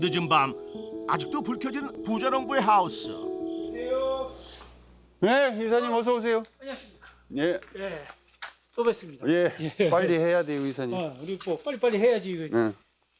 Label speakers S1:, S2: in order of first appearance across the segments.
S1: 늦은 밤 아직도 불 켜진 부자농부의 하우스.
S2: 네, 이사님 어서 오세요.
S3: 안녕하십니까.
S2: 예,
S3: 예, 또 뵙습니다.
S2: 예, 빨리 해야 돼요, 이사님.
S3: 우리 뭐 빨리빨리 해야지 이거.
S2: 네.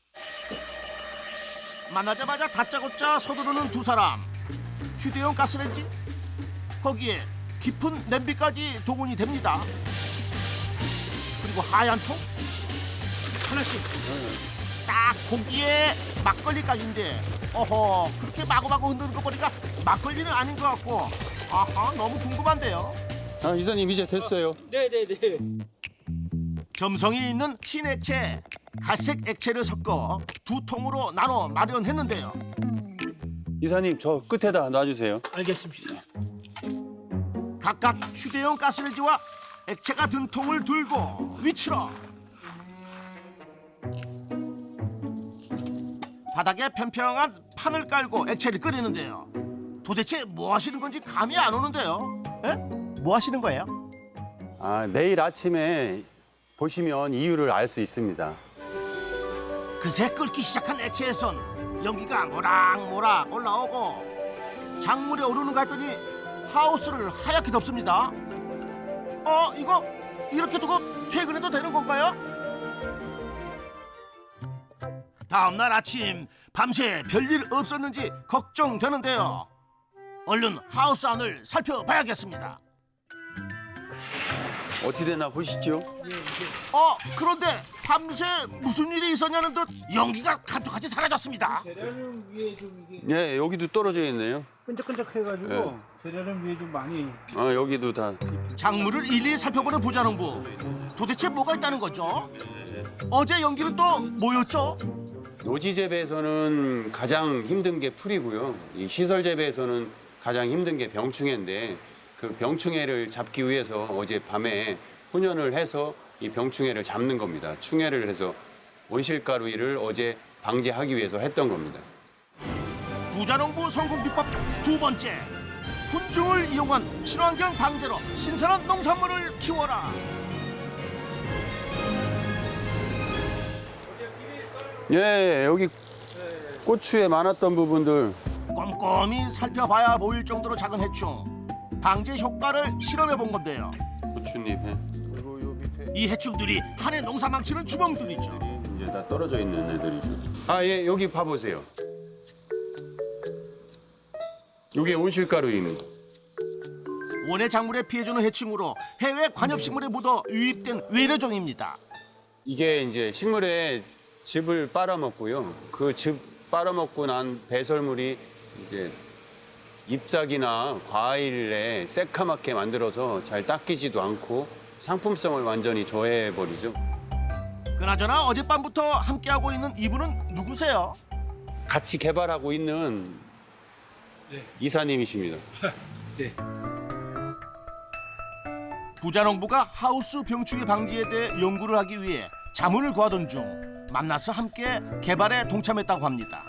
S1: 만나자마자 다짜고짜 서두르는 두 사람. 휴대용 가스레인지? 거기에 깊은 냄비까지 동원이 됩니다. 그리고 하얀 통?
S3: 하나씩.
S1: 딱 고기에 막걸리까지인데 어허 그렇게 마구마구 흔드는 거 보니까 막걸리는 아닌 것 같고 아하 너무 궁금한데요.
S2: 아, 이사님 이제 됐어요.
S3: 네네네.
S1: 점성이 있는 흰 액체, 갈색 액체를 섞어 두 통으로 나눠 마련했는데요.
S2: 이사님 저 끝에다 놔주세요.
S3: 알겠습니다.
S1: 각각 휴대용 가스레인지와 액체가 든 통을 들고 위치로 바닥에 평평한 판을 깔고 액체를 끓이는데요. 도대체 뭐 하시는 건지 감이 안 오는데요. 에? 뭐 하시는 거예요?
S2: 아, 내일 아침에 보시면 이유를 알 수 있습니다.
S1: 그새 끓기 시작한 액체에선 연기가 모락모락 올라오고 작물에 오르는가 했더니 하우스를 하얗게 덮습니다. 이거 이렇게 두고 퇴근해도 되는 건가요? 다음날 아침 밤새 별일 없었는지 걱정되는데요. 얼른 하우스 안을 살펴봐야겠습니다.
S2: 어떻게 되나 보시죠.
S1: 그런데 밤새 무슨 일이 있었냐는 듯 연기가 감쪽같이 사라졌습니다.
S3: 재료는 위에 좀 이게
S2: 예, 여기도 떨어져 있네요.
S3: 끈적끈적해가지고
S2: 네.
S3: 재료는 위에 좀 많이.
S2: 아, 여기도 다.
S1: 작물을 일일이 살펴보는 부자농부. 도대체 뭐가 있다는 거죠? 어제 연기는 또 뭐였죠?
S2: 노지 재배에서는 가장 힘든 게 풀이고요. 이 시설 재배에서는 가장 힘든 게 병충해인데 그 병충해를 잡기 위해서 어제 밤에 훈연을 해서 이 병충해를 잡는 겁니다. 충해를 해서 온실가루일을 어제 방지하기 위해서 했던 겁니다.
S1: 부자농부 성공 비법 두 번째. 훈증을 이용한 친환경 방제로 신선한 농산물을 키워라.
S2: 예, 여기 고추에 많았던 부분들.
S1: 꼼꼼히 살펴봐야 보일 정도로 작은 해충. 방제 효과를 실험해 본 건데요.
S2: 고추잎. 예. 그리고 요 밑에
S1: 이 해충들이 한 해 농사 망치는 주범들이죠.
S2: 이제 다 떨어져 있는 애들이죠. 아, 예, 여기 봐보세요. 이게 온실가루입니다.
S1: 원예 작물에 피해주는 해충으로 해외 관엽식물에 묻어 유입된 외래종입니다.
S2: 이게 이제 식물에 즙을 빨아먹고요. 그 즙 빨아먹고 난 배설물이 이제 잎사귀나 과일에 새카맣게 만들어서 잘 닦이지도 않고 상품성을 완전히 저해해버리죠.
S1: 그나저나 어젯밤부터 함께하고 있는 이분은 누구세요?
S2: 같이 개발하고 있는
S3: 네.
S2: 이사님이십니다.
S3: 네.
S1: 부자농부가 하우스 병충해 방지에 대해 연구를 하기 위해 자문을 구하던 중 만나서 함께 개발에 동참했다고 합니다.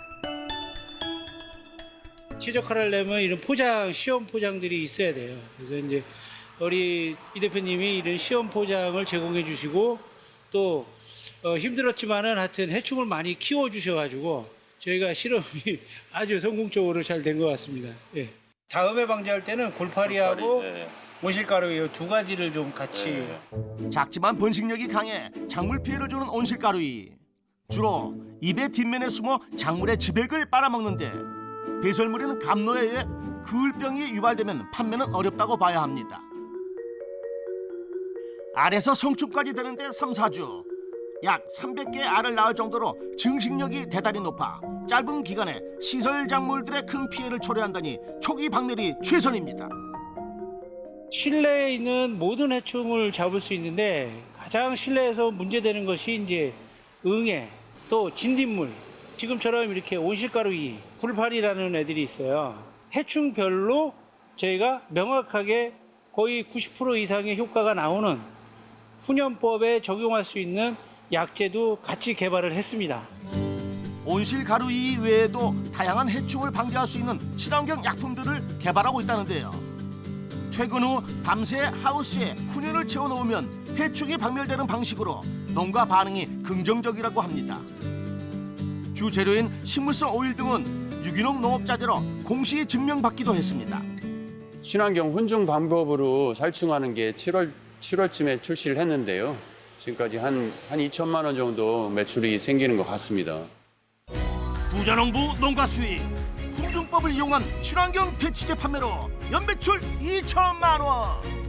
S3: 최적화를 내면 이런 포장, 시험 포장들이 있어야 돼요. 그래서 이제 우리 이 대표님이 이런 시험 포장을 제공해 주시고 또 힘들었지만은 하여튼 해충을 많이 키워 주셔가지고 저희가 실험이 아주 성공적으로 잘 된 것 같습니다. 예. 다음에 방제할 때는 골파리하고 온실가루 이 두 가지를 좀 같이.
S1: 작지만 번식력이 강해 작물 피해를 주는 온실가루이. 주로 잎의 뒷면에 숨어 작물의 즙액을 빨아먹는데 배설물인 감로에 의해 그을병이 유발되면 판매는 어렵다고 봐야 합니다. 알에서 성충까지 되는데 3, 4주. 약 300개의 알을 낳을 정도로 증식력이 대단히 높아 짧은 기간에 시설 작물들의 큰 피해를 초래한다니 초기 박멸이 최선입니다.
S3: 실내에 있는 모든 해충을 잡을 수 있는데 가장 실내에서 문제되는 것이 이제 응애, 또 진딧물, 지금처럼 이렇게 온실가루이, 굴파리라는 애들이 있어요. 해충별로 저희가 명확하게 거의 90% 이상의 효과가 나오는 훈연법에 적용할 수 있는 약제도 같이 개발을 했습니다.
S1: 온실가루이 외에도 다양한 해충을 방지할 수 있는 친환경 약품들을 개발하고 있다는데요. 퇴근 후 밤새 하우스에 훈연을 채워놓으면 해충이 박멸되는 방식으로 농가 반응이 긍정적이라고 합니다. 주재료인 식물성 오일 등은 유기농 농업자재로 공시 증명받기도 했습니다.
S2: 친환경 훈중 방법으로 살충하는 게 7월쯤에 출시를 했는데요. 지금까지 한 2천만 원 정도 매출이 생기는 것 같습니다.
S1: 부자농부 농가 수익, 훈중법을 이용한 친환경 퇴치제 판매로 연매출 2천만 원.